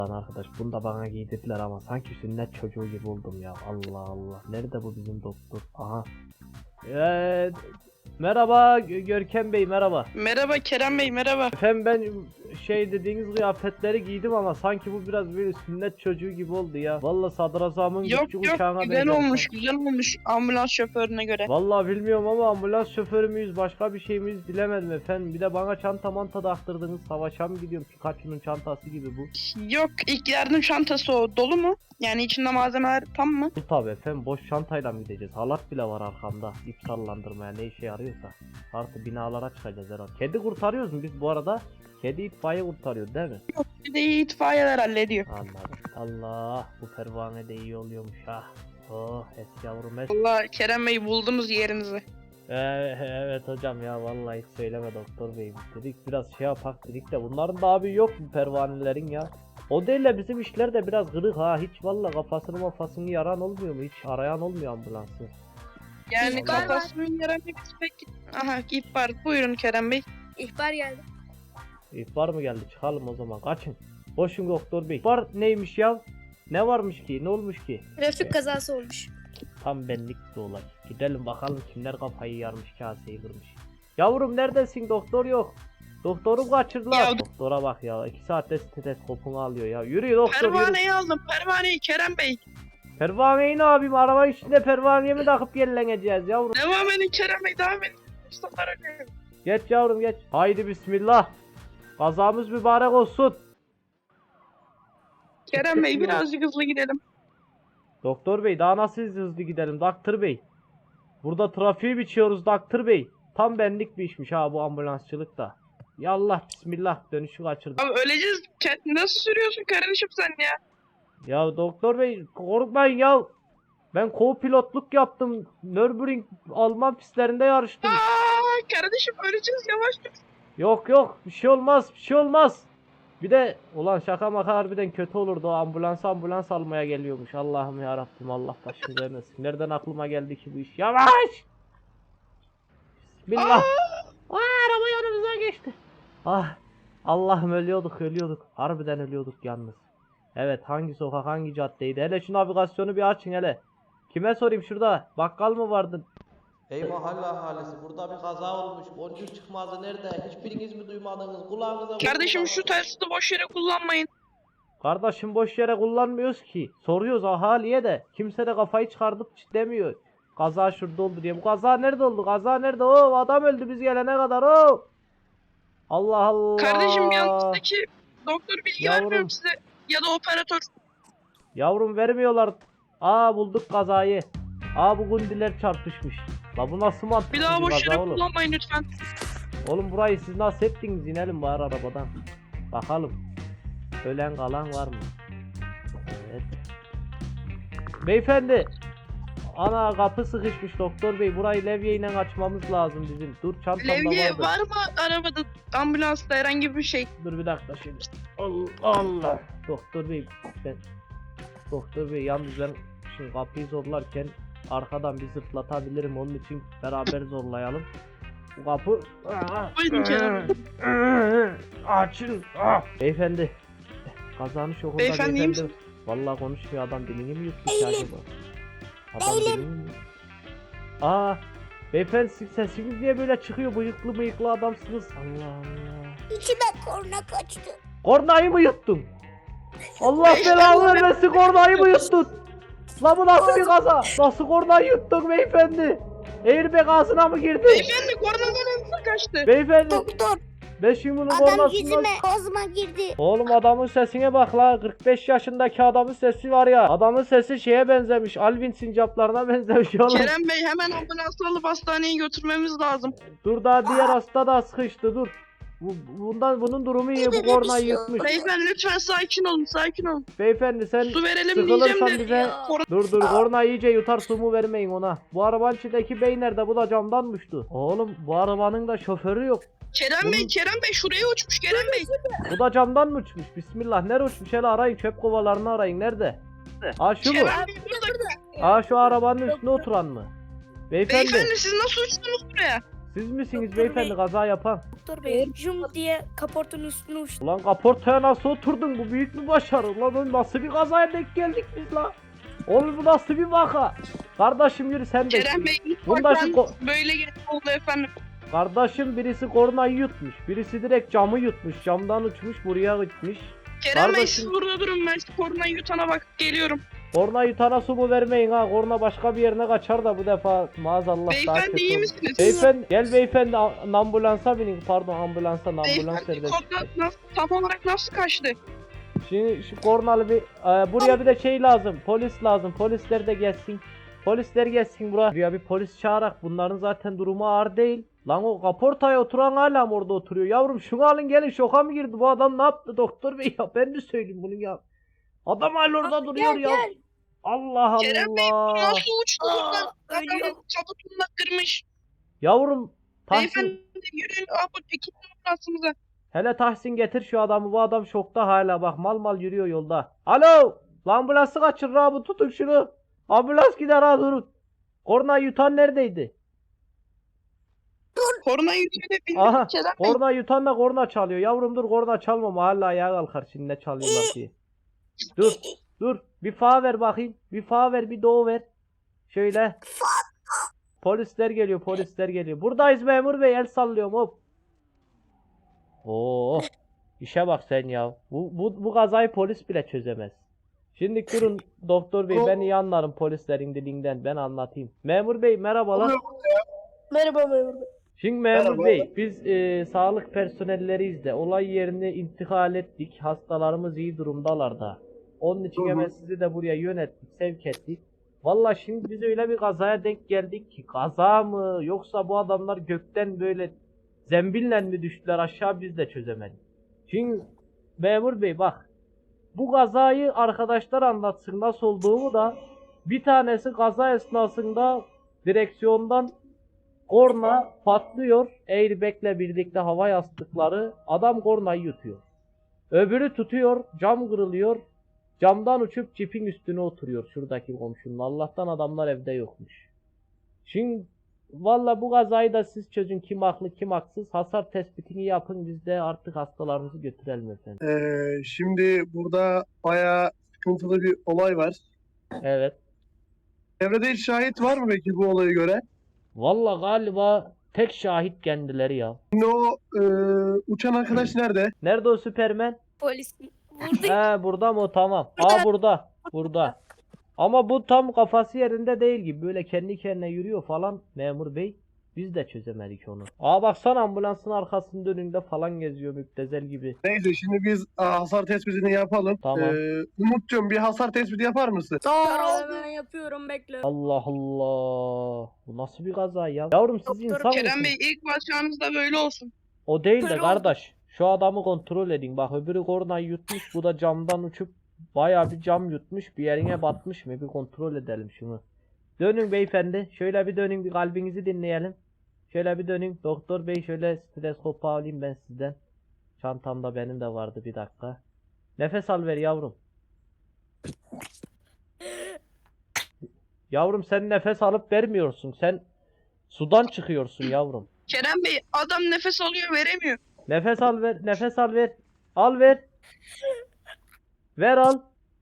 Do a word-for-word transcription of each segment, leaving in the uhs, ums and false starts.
Lan arkadaş bunu da bana giydirdiler ama sanki sünnet çocuğu gibi oldum ya. Allah Allah. Nerede bu bizim doktor? Aha. Eee merhaba Görkem Bey, merhaba. Merhaba Kerem Bey, merhaba. Efendim ben şey dediğiniz kıyafetleri giydim ama sanki bu biraz böyle sünnet çocuğu gibi oldu ya. Vallahi sadrazamın Yok küçük yok uçağına güzel benzer. olmuş, güzel olmuş ambulans şoförüne göre. Vallahi bilmiyorum ama ambulans şoförü müyüz, başka bir şey miyiz bilemedim efendim. Bir de bana çanta manta taktırdınız, savaşa mı gidiyorum? Pikachu'nun çantası gibi bu. Yok, ilk yardım çantası o, dolu mu? Yani içinde malzemeler tam mı? Bu tabi efendim, boş çantayla mı gideceğiz? Halat bile var arkamda. İp sallandırmaya ne işe yarıyorsa. Artı binalara çıkacağız herhalde. Kedi kurtarıyoruz mu biz bu arada? Kedi itfaiye kurtarıyor değil mi? Yok, bir de itfaiyeler hallediyor. Anladım. Allah, bu pervane de iyi oluyormuş ha. Oh es yavrum es. Allah Kerem Bey buldunuz yerinizi. Ee, evet hocam ya, vallahi hiç söyleme doktor bey. Dedik biraz şey yapak dedik de bunların da abi yok mu pervanelerin ya? O değil de bizim işler de biraz kırık ha. Hiç vallahi kafasını mafasını yaran olmuyor mu? Hiç arayan olmuyor ambulansı. Yani İhbar var. kafasının yaranı pek... Aha ihbar. Buyurun Kerem Bey. İhbar geldi. İhbar mı geldi? Çıkalım o zaman. Kaçın. Boşun doktor bey. İhbar neymiş ya? Ne varmış ki? Ne olmuş ki? Trafik kazası olmuş. Tam benlik bir olay. Gidelim bakalım kimler kafayı yarmış, kaseyi kırmış. Yavrum neredesin? Doktor yok. Doktoru kaçırdılar. Ya- Doktora bak ya. iki saatte steteskopunu alıyor ya. Yürü doktor yürü. Pervaneyi aldım. Pervaneyi Kerem Bey. Pervaneyi ne yapayım? Araba içinde pervaneye mi takıp yenileneceğiz yavrum? Devam edin Kerem Bey. Devam edin. Mustafa arıyorum. Geç yavrum geç. Haydi bismillah. Kazamız mübarek olsun. Kerem Bey birazcık hızlı gidelim. Doktor bey daha nasıl hızlı gidelim doktor bey? Burada trafiği biçiyoruz doktor bey. Tam benlik bir işmiş ha bu ambulansçılık da. Yallah bismillah, dönüşü kaçırdım. Abi öleceğiz. Kendini nasıl sürüyorsun kardeşim sen ya? Ya doktor bey korkmayın ya. Ben co-pilotluk yaptım. Nürburgring Alman pistlerinde yarıştım. Aa kardeşim öleceğiz yavaş dur. Yok yok bir şey olmaz bir şey olmaz. Bir de ulan şaka maka harbiden kötü olurdu, o ambulans ambulans almaya geliyormuş. Allah'ım ya Rabbim, Allah başını vermesin. Nereden aklıma geldi ki bu iş? Yavaş! Bismillah. Aa, araba yanımıza geçti. Ah, Allah'ım ölüyorduk ölüyorduk. Harbiden ölüyorduk yalnız. Evet, hangi sokak hangi caddeydi? Hele şu navigasyonu bir açın hele. Kime sorayım, şurada bakkal mı vardı? Ey mahalle ahalisi, burada bir kaza olmuş. Boncuk çıkmazı nerede? Hiçbiriniz mi duymadınız? Kulağınıza... Kardeşim şu telsizi boş yere kullanmayın. Kardeşim boş yere kullanmıyoruz ki. Soruyoruz ahaliye de. Kimse de kafayı çıkardıp demiyor. Kaza şurada oldu diye. Bu kaza nerede oldu? Kaza nerede? Oo, adam öldü biz gelene kadar. Oo. Allah Allah. Kardeşim yanınızdaki doktor bilgi Yavrum. vermiyor mu size? Ya da operatör. Yavrum vermiyorlar. Aa, bulduk kazayı. Aa, bu gundiler çarpışmış. La bu nasıl mantıklı Bir daha boş kaza yere oğlum? kullanmayın lütfen. Oğlum burayı siz nasıl ettiniz? İnelim bari arabadan. Bakalım. Ölen kalan var mı? Evet. Beyefendi. Ana kapı sıkışmış doktor bey. Burayı levyeyle açmamız lazım bizim. Dur, çantamda Levye vardı. var mı arabada, ambulansta herhangi bir şey? Dur bir dakika şimdi. Allah Allah. Doktor bey ben. Doktor bey yalnız ben şimdi kapıyı zorlarken arkadan bir zıplatabilirim. Onun için beraber zorlayalım. Bu kapı. Buyurun Kerem. Açın. Ah. Beyefendi. Kazanın şokunda Beyefendi, iyi beyefendi. Vallahi konuşmuyor adam, dilini mi yuttu ki acaba? Adam dilini mi? Aa. Beyefendi siz sesiniz niye böyle çıkıyor? Bıyıklı bıyıklı adamsınız. Allah Allah. İçime korna kaçtı. Kornayı mı yuttun? Allah Beyefendi, belanı ben- vermesin, kornayı mı yuttun? La bu nasıl bir kaza? Nasıl kornayı yuttun beyefendi? Airbag ağzına mı girdi? Beyefendi koronadan hızlı kaçtı. Beyefendi Doktor, ben şimdi bunun adam kornasından... yüzüme kozma girdi. Oğlum adamın sesine bak la, kırk beş yaşındaki adamın sesi var ya. Adamın sesi şeye benzemiş, Alvin sincaplarına benzemiş oğlum. Kerem Bey hemen ambulans alıp hastaneye götürmemiz lazım. Dur, daha diğer hasta da sıkıştı, dur. Bu, bundan bunun durumu iyi, bu Bir kornayı şey yutmuş. Beyefendi lütfen sakin olun, sakin olun. Beyefendi sen Su verelim diyeceğim sıkılırsan de. bize... Kor- Dur dur, korna iyice yutar, su mu vermeyin ona. Bu arabanın içindeki bey nerede? Bu da camdan uçtu. Oğlum bu arabanın da şoförü yok. Kerem Bey, Bunun- Kerem Bey şuraya uçmuş Kerem Bey. Bu da camdan mı uçmuş? Bismillah, nerede uçmuş? Hele arayın, çöp kovalarını arayın, nerede? Aa şu mu? Kerem Bey burada. Aa şu arabanın üstüne oturan mı? Beyefendi, Beyefendi siz nasıl uçtunuz buraya? Siz misiniz Doktor beyefendi bey. kaza yapan? Doktor bey jum diye kaportunun üstüne uçtu. Ulan kaportaya nasıl oturdun? Bu büyük bir başarı. Ulan oğlum nasıl bir kazaya denk geldik biz la? Oğlum bu nasıl bir vaka? Kardeşim yürü sen de. Kerem Bey ilk Bunda şu baştan ko- böyle geç oldu efendim. Kardeşim birisi kornayı yutmuş. Birisi direkt camı yutmuş. Camdan uçmuş buraya gitmiş. Kerem Bey Kardeşim- siz burada durun, ben şu kornayı yutana bakıp geliyorum. Korna yutana su mu vermeyin ha? Korna başka bir yerine kaçar da bu defa maazallah daha Beyefendi kötü iyi olur. misiniz? Beyefendi gel beyefendi a- ambulansa binin. Pardon ambulansa ambulans Beyefendi nerede? korna nasıl, tam olarak nasıl kaçtı? Şimdi şu kornalı bir e, buraya bir de şey lazım. Polis lazım. Polisler de gelsin. Polisler gelsin buraya. Buraya bir polis çağırak. Bunların zaten durumu ağır değil. Lan o kaportaya oturan hala mı orada oturuyor? Yavrum şunu alın gelin, şoka mı girdi? Bu adam ne yaptı doktor bey ya? Ben de söyleyeyim bunu ya. Adam hala orada Abi, duruyor gel, ya. gel. Allah Kerem Bey Allah. nasıl uçtu Aa, buradan? ölüyor. Adamın kabutunla kırmış. Yavrum Tahsin. Beyefendi yürüyün bu ikinci ambulansımıza. Hele Tahsin getir şu adamı. Bu adam şokta hala bak mal mal yürüyor yolda. Alo. Lan ambulansı kaçır abi, tutun şunu. Ambulans gider ha, durun. Korna yutan neredeydi? Kornayı yutuyla Aha, bindik Kerem Bey. korna yutan da korna çalıyor. Yavrum dur, korna çalma, mahalle ayağa kalkar şimdi ne çalıyorlar diye. Dur dur bir fa ver bakayım. Bir fa ver, bir do ver. Şöyle. Polisler geliyor, polisler geliyor. Buradayız memur bey, el sallıyorum hop. Oo. İşe bak sen ya. Bu, bu, bu kazayı polis bile çözemez. Şimdi durun doktor bey, ben iyi anlarım polislerin dilinden, ben anlatayım. Memur bey merhabalar. Merhaba memur bey. Şimdi memur Merhaba. bey, biz e, sağlık personelleriyiz de olay yerine intikal ettik. Hastalarımız iyi durumdalar da. Onun için Hı hı. hemen sizi de buraya yönettik, sevk ettik. Valla şimdi biz öyle bir kazaya denk geldik ki, kaza mı yoksa bu adamlar gökten böyle zembille mi düştüler aşağı, biz de çözemedik. Şimdi memur bey bak, bu kazayı arkadaşlar anlatsın nasıl olduğunu da. Bir tanesi kaza esnasında direksiyondan korna patlıyor. Airbag'le birlikte hava yastıkları. Adam kornayı yutuyor. Öbürü tutuyor. Cam kırılıyor. Camdan uçup cipin üstüne oturuyor. Şuradaki komşunun. Allah'tan adamlar evde yokmuş. Şimdi valla bu kazayı da siz çözün. Kim haklı kim haksız. Hasar tespitini yapın. Biz de artık hastalarımızı götürelim efendim. Ee, şimdi burada bayağı sıkıntılı bir olay var. Evet. Çevrede hiç şahit var mı peki bu olaya göre? Valla galiba tek şahit kendileri ya. Şimdi o e, uçan arkadaş nerede? Nerede o Süpermen? Polis burada. He burada mı o, tamam. Aa burada. Burada. Ama bu tam kafası yerinde değil gibi. Böyle kendi kendine yürüyor falan memur bey. Biz de çözemedik onu. Aa baksana ambulansın arkasının önünde falan geziyor müptezel gibi. Neyse şimdi biz aa, hasar tespitini yapalım. Tamam. Ee, Umut'cum bir hasar tespiti yapar mısın? Tamam hemen yapıyorum bekle. Allah Allah. Bu nasıl bir kaza ya? Yavrum siz Doktor insan Kerem mısınız? Bey ilk başağınızda böyle olsun. O değil de Böyle kardeş. Şu adamı kontrol edin. Bak öbürü kornayı yutmuş. Bu da camdan uçup bayağı bir cam yutmuş. Bir yerine batmış mı? Bir kontrol edelim şunu. Dönün beyefendi. Şöyle bir dönün. Bir kalbinizi dinleyelim. Şöyle bir dönün. Doktor bey şöyle stereskopu alayım ben sizden. Çantamda benim de vardı, bir dakika. Nefes al ver yavrum. Yavrum sen nefes alıp vermiyorsun. Sen sudan çıkıyorsun yavrum. Kerem Bey adam nefes alıyor veremiyor. Nefes al ver, nefes al ver. Al ver. Ver al.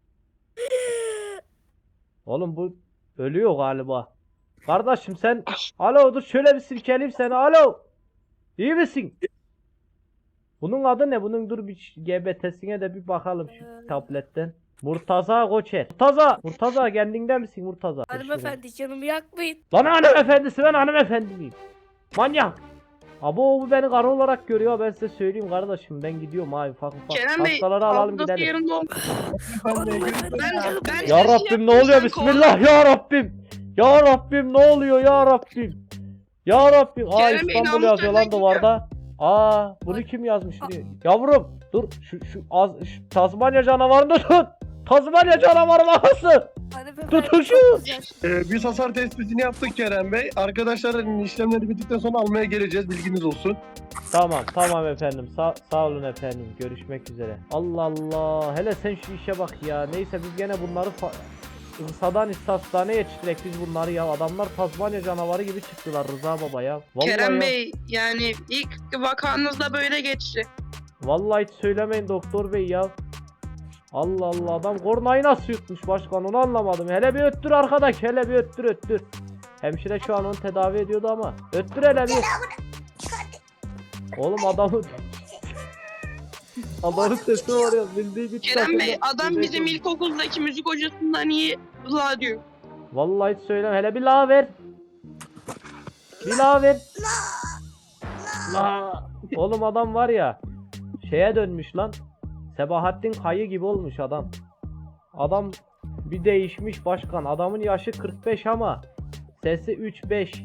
Oğlum bu ölüyor galiba. Kardeşim sen, alo dur şöyle bir silkeleyim seni. Alo. İyi misin? Bunun adı ne? Bunun dur bir G B T'sine de bir bakalım şu tabletten. Murtaza Koçer. Murtaza, Murtaza kendinde misin Murtaza? Hanımefendi canımı yakmayın. Lan hanımefendisi, ben hanımefendi miyim? Manyak. Abo bu beni karı olarak görüyor, ben size söyleyeyim kardeşim, ben gidiyorum abi ufak ufak. Kerem Bey Hastaları alalım hafızası gidelim. yerinde olmuş. Hanımefendi Ben, canımı ben Ya ses Rabbim ne yaptım, oluyor, sen bismillah ya Rabbim. Ya Rabbim ne oluyor ya Rabbim. Ya Rabbim. Aa Kerem Bey, İstanbul namus yazıyor lan sözü duvarda. Aa bunu kim yazmış diye. Yavrum dur şu şu az şu Tazmanya canavarını tut. Tazmanya canavarı vakası. Hanımefendi Tutun şu. çok güzel. Ee, biz hasar tespitini yaptık Kerem Bey. Arkadaşların işlemleri bittikten sonra almaya geleceğiz. Bilginiz olsun. Tamam tamam efendim, Sa sağ olun efendim, görüşmek üzere. Allah Allah, hele sen şu işe bak ya. Neyse biz gene bunları fa- Isa'dan İsa hastaneye yetiştirek biz bunları ya. Adamlar Tazmanya canavarı gibi çıktılar Rıza baba ya. Vallahi Kerem ya. Bey yani ilk vakanızda böyle geçti. Vallahi hiç söylemeyin doktor bey ya. Allah Allah, adam kornayı nasıl yutmuş başkan, onu anlamadım. Hele bir öttür arkadaş, hele bir öttür öttür. Hemşire şu an onu tedavi ediyordu ama. Öttür hele bir. Oğlum adamın adamın sesi var ya, bildiği bir Kerem Bey takımda- adam bizim ilkokuldaki müzik hocasından iyi la diyor. Vallahi hiç söyleme, hele bir la ver. Bir la ver. La. Oğlum adam var ya, şeye dönmüş lan. Sebahattin Kayı gibi olmuş adam. Adam bir değişmiş başkan. Adamın yaşı kırk beş ama sesi üç beş.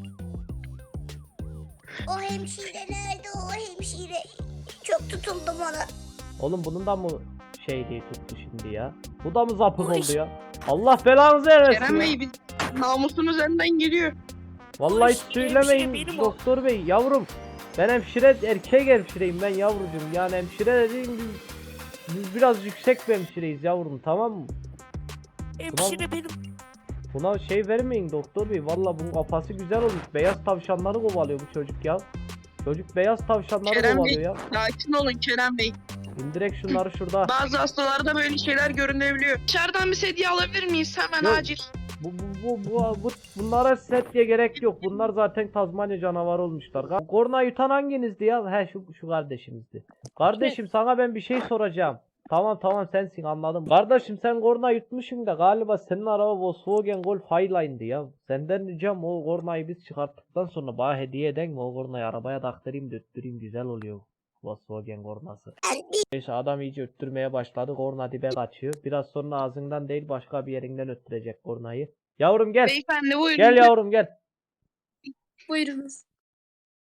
O hemşire nerede o hemşire? Çok tutuldum ona. Oğlum bunun da mı şey diye tuttu şimdi ya? Bu da mı zapık Oy. oldu ya? Allah belanızı vermesin Kerem ya. Bey biz namusunuz elinden geliyor. Vallahi hiç Hemşire, söylemeyin hemşire benim o. doktor bey yavrum. Ben hemşire, erkek hemşireyim ben yavrucuğum. Yani hemşire dediğim biz, biz biraz yüksek bir hemşireyiz yavrum, tamam mı? Hemşire benim. Buna şey vermeyin doktor bey. Vallahi bunun kafası güzel olmuş. Beyaz tavşanları kovalıyor bu çocuk ya. Çocuk beyaz tavşanları Kerem kovalıyor Bey. ya. Sakin olun Kerem Bey. İndirek şunları şurada. Bazı hastalarda böyle şeyler görünebiliyor. Dışarıdan bir sedye alabilir miyiz? Hemen Yok. acil. Bu, bu, bu, bu, bu, bunlara set diye gerek yok. Bunlar zaten Tazmanya canavarı olmuşlar. Korna yutan hanginizdi ya? He şu, şu kardeşimizdi. Kardeşim sana ben bir şey soracağım. Tamam tamam sensin, anladım. Kardeşim sen korna yutmuşsun da galiba senin araba Volkswagen Golf Highline'di ya. Senden ricam o kornayı biz çıkarttıktan sonra bana hediye eden mi, o kornayı arabaya taktırayım döttüreyim, güzel oluyor Volkswagen kornası. Neyse adam iyice öttürmeye başladı. Korna dibe kaçıyor. Biraz sonra ağzından değil başka bir yerinden öttürecek kornayı. Yavrum gel. Beyefendi buyurun. Gel yavrum gel. Buyurunuz.